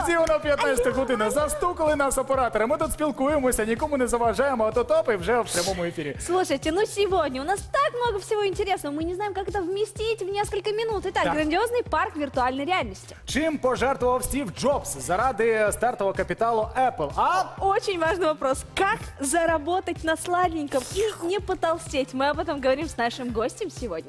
Несподівано 15 година. Застукали нас оператори. Ми тут спілкуємося, нікому не заважаємо, а то топи вже в прямому ефірі. Слушайте, ну сегодня у нас так много всего интересного, мы не знаем, как это вместить в несколько минут. Итак, Так. грандиозный парк виртуальной реальности. Чим пожертвував Стів Джобс заради стартового капіталу Apple? А Очень важный вопрос. Как заработать на сладеньком и не потолстеть? Мы об этом говорим с нашим гостем сегодня.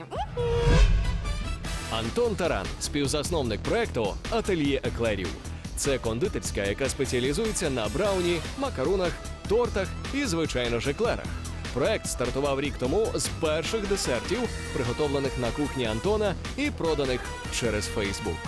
Антон Таран, співзасновник проекту Ательє еклерів. Це кондитерська, яка спеціалізується на брауні, макаронах, тортах і, звичайно ж, еклерах. Проект стартував рік тому з перших десертів, приготовлених на кухні Антона і проданих через Фейсбук.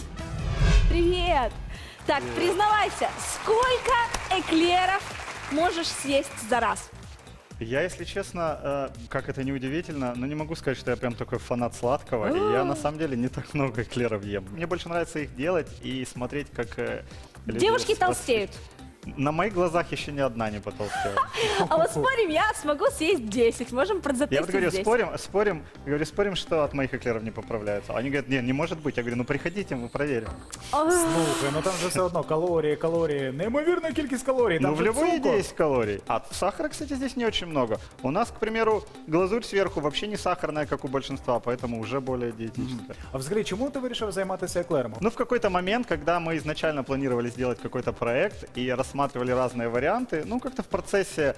Привет! Так, признавайся, сколько эклеров можешь съесть за раз? Я, если честно, как это не удивительно, но не могу сказать, что я прям такой фанат сладкого. И я на самом деле не так много эклеров ем. Мне больше нравится их делать и смотреть, как люди Девушки рас- толстеют. На моих глазах еще ни одна не потолстела. А вот спорим, я смогу съесть 10. Можем Я продзапустить вот говорю, здесь. спорим, что от моих эклеров не поправляются. Они говорят, не может быть. Я говорю, ну приходите, мы проверим. слухай, ну там же все одно калорії. Неймовірна кількість калорій. Там Ну, в же любой еде цукор. есть калорий. А сахара, кстати, здесь не очень много. У нас, к примеру, глазурь сверху вообще не сахарная, как у большинства, поэтому уже более диетическая. А взагалі, чому ти вирішив займатися еклерами? Ну, в какой-то момент, когда мы изначально планировали сделать какой-то проект и рассматривали разные варианты, ну, как-то в процессе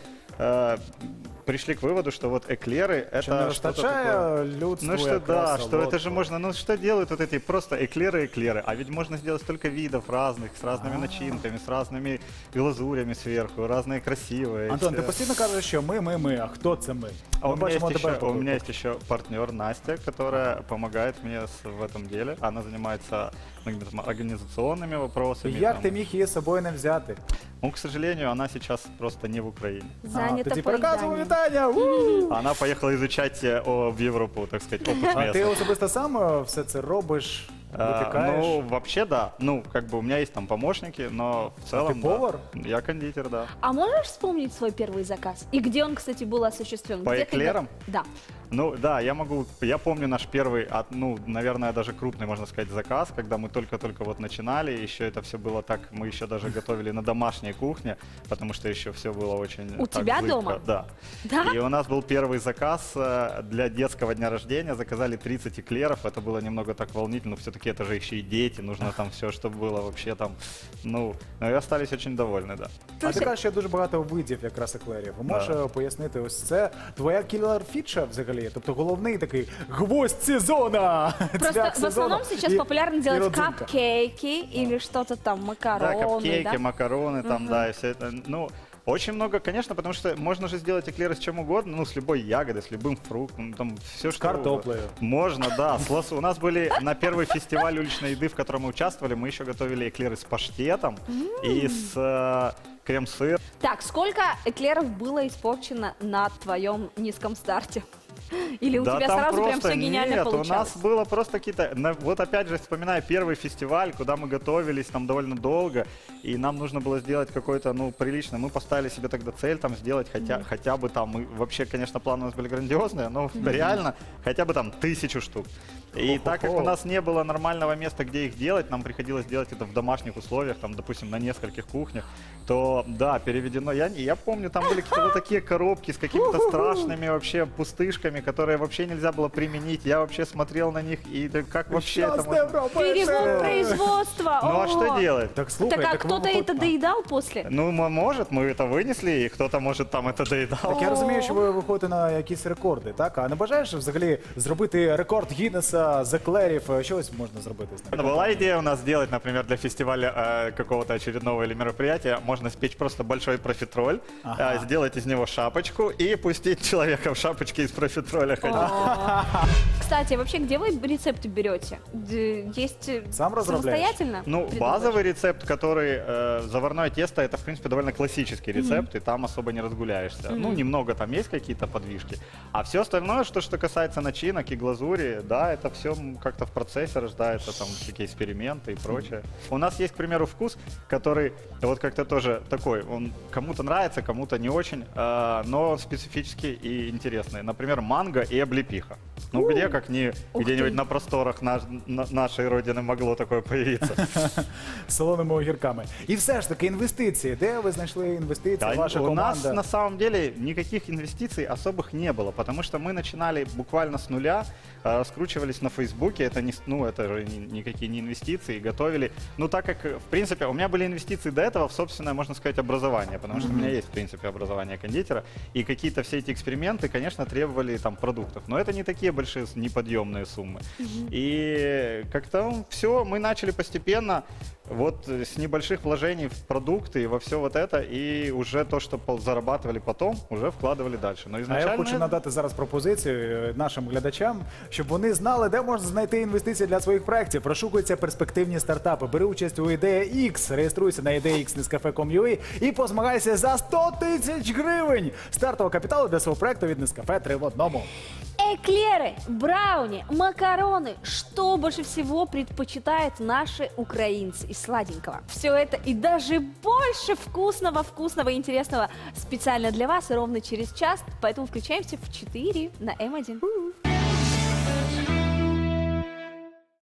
пришли к выводу, что вот эклеры Чи не это что-то такое. вистачає людству Ну что, якраз да, что это же солодкого? можно, ну что делают вот эти просто эклеры, а ведь можно сделать столько видов разных, с разными начинками, с разными глазурями сверху, разные красивые. Антон, ти все. постійно кажеш, що ми, а хто це ми? А Ми у меня, бачимо есть тебе еще, по у меня боку. есть еще партнер Настя, которая помогает мне в этом деле. Она занимается многими там организационными вопросами. Як там. ти міг її з собою не взяти? Ну, к сожалению, она сейчас просто не в Украине. Занято тоді переказуємо поеданием. вітання! Она поехала изучать в Европу, так сказать, опыт А ти местный. особисто сам все це робиш, А, випікаєш? ну, вообще, да. Ну, как бы у меня есть там помощники, но в целом, ты повар? Да. Я кондитер, да. А можешь вспомнить свой первый заказ? И где он, кстати, был осуществлен? По Где ты эклерам? Да. Ну, да, я помню наш первый, ну, наверное, даже крупный, можно сказать, заказ, когда мы только-только вот начинали, еще это все было так, мы еще даже готовили на домашней кухне, потому что еще все было очень У так тебя зыбко. дома? Да. Да? И у нас был первый заказ для детского дня рождения, заказали 30 эклеров, это было немного так волнительно, все-таки это же еще и дети, нужно там все, чтобы было вообще там, ну, и остались очень довольны, да. А ти кажеш, що є дуже багато видів якраз еклерів. Можеш пояснити, ось це твоя кілер-фіча взагалі? Тобто головний такий гвоздь сезона! Просто цвях в основном сезону сейчас і- популярно і делать родзинка. капкейки или что-то там, Да, макароны, капкейки, да? макароны, там, да, и все это. Ну, очень много, конечно, потому что можно же сделать эклеры с чем угодно, ну, с любой ягодой, с любым фруктом, ну, там, все что картоплею. Можно, да. У нас были на первый фестиваль уличной еды, в котором мы участвовали, мы еще готовили эклеры с паштетом и с крем-сыр. Так, сколько эклеров было испорчено на твоем низком старте? Или у тебя там сразу прям просто все гениально нет, получалось? у нас было просто какие-то... Вот опять же, вспоминая первый фестиваль, куда мы готовились там довольно долго, и нам нужно было сделать какой-то, ну, приличный. Мы поставили себе тогда цель там сделать хотя бы там... Мы, вообще, конечно, планы у нас были грандиозные, но реально хотя бы там 1000 штук. И так как у нас не было нормального места, где их делать, нам приходилось делать это в домашних условиях, там, допустим, на нескольких кухнях, то, да, переведено. Я помню, там были какие-то вот такие коробки с какими-то страшными вообще пустышками, которые вообще нельзя было применить. Я вообще смотрел на них, и да как вообще это Щасна можно... Європа! Перевод производства! Ну а Ого! что делать? Так слухай, Так а ви кто-то виходь- это доедал после? Ну, может, мы это вынесли, и кто-то, может, там это доедал. Так я розумію, що ви виходите на якісь рекорди, так? А не бажаєш взагалі зробити рекорд Гіннеса з еклерів? Щось можна зробити з ним? Была идея у нас сделать, например, для фестиваля какого-то очередного или мероприятия, можно спечь просто большой профитроль, сделать из него шапочку и пустить человека в шапочке из профитроля ходить. Кстати, вообще, где вы рецепты берете? Есть Сам разрабатываешь? самостоятельно? Ну, придумываешь? базовый рецепт, который заварное тесто, это, в принципе, довольно классический рецепт, и там особо не разгуляешься. Ну, немного там есть какие-то подвижки. А все остальное, что касается начинок и глазури, да, это все как-то в процессе рождается, там всякие эксперименты и прочее. У нас есть, к примеру, вкус, который вот как-то тоже такой, он кому-то нравится, кому-то не очень, но он специфический и интересный. Например, манго и облепиха. Ну где, как не Ух где-нибудь ты. на просторах нашей родины могло такое появиться. З солоними огірками. І все ж таки інвестиції. Де ви знайшли інвестиції? Да, Ваша у нас команда? на самом деле никаких инвестиций особых не было, потому что мы начинали буквально с нуля, раскручивались на Фейсбуке, это, не, ну, это же никакие не инвестиции, готовили. Ну, так как, в принципе, у меня были инвестиции до этого в собственное, можно сказать, образование, потому что у меня есть, в принципе, образование кондитера, и какие-то все эти эксперименты, конечно, требовали там продуктов, но это не такие большие, неподъемные суммы. И как-то все, мы начали постепенно вот с небольших вложений в продукты и во все вот это, и уже то, что зарабатывали потом, уже вкладывали дальше. Но А изначально... я хочу надати зараз пропозицію нашим глядачам, щоб вони знали, де можна знайти інвестиції для своїх проєктів. Розшукуються перспективні стартапи. Бери участь у Ідея X, реєструйся на ideax.nescafe.com.ua і позмагайся за 100 тисяч гривень стартового капіталу для свого проєкту від Nescafe 3 в одному. Эклеры, брауни, макароны. Что больше всего предпочитают наши украинцы из сладенького? Все это и даже больше вкусного и интересного специально для вас и ровно через час. Поэтому включаемся в 4 на М1.